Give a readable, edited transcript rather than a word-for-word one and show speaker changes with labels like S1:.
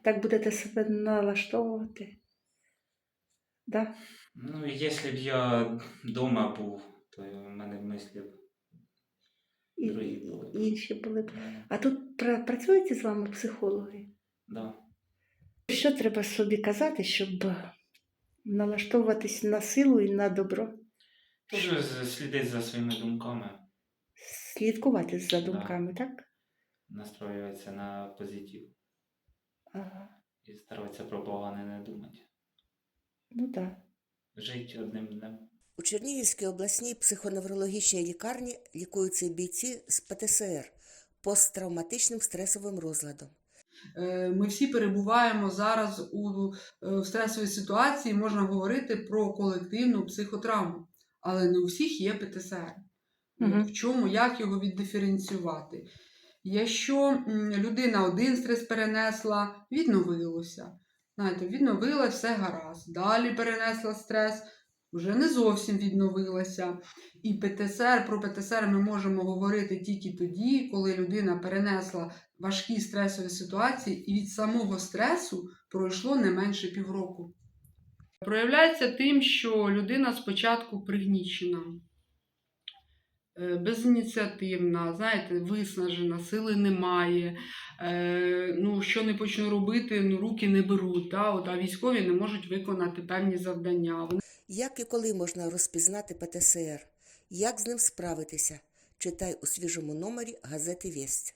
S1: Так будете себе налаштовувати? Да?
S2: Ну, якщо б я вдома був, то в мене мислі б
S1: І
S2: другі були б.
S1: інші були б.
S2: Да.
S1: А тут працюють з вами психологи?
S2: Да.
S1: Що треба собі казати, щоб налаштовуватись на силу і на добро?
S2: Дуже слідить за своїми думками,
S1: Слідкувати за
S2: да.
S1: думками, так?
S2: Настроюватися на позитив
S1: Ага.
S2: і старатися про погане не думати.
S1: Ну так. Да.
S2: Жити одним днем.
S3: У Чернігівській обласній психоневрологічній лікарні лікуються бійці з ПТСР – посттравматичним стресовим розладом.
S4: Ми всі перебуваємо зараз в стресовій ситуації, можна говорити про колективну психотравму, але не у всіх є ПТСР. В чому, як його віддиференціювати? Якщо людина один стрес перенесла, відновилося. Знаєте, відновилося, все гаразд. Далі перенесла стрес, вже не зовсім відновилася. І про ПТСР ми можемо говорити тільки тоді, коли людина перенесла важкі стресові ситуації і від самого стресу пройшло не менше півроку. Проявляється тим, що людина спочатку пригнічена, безініціативна, знаєте, виснажена, сили немає, що не почну робити, руки не беруть, а військові не можуть виконати певні завдання.
S3: Як і коли можна розпізнати ПТСР? Як з ним справитися? Читай у свіжому номері газети «Весть».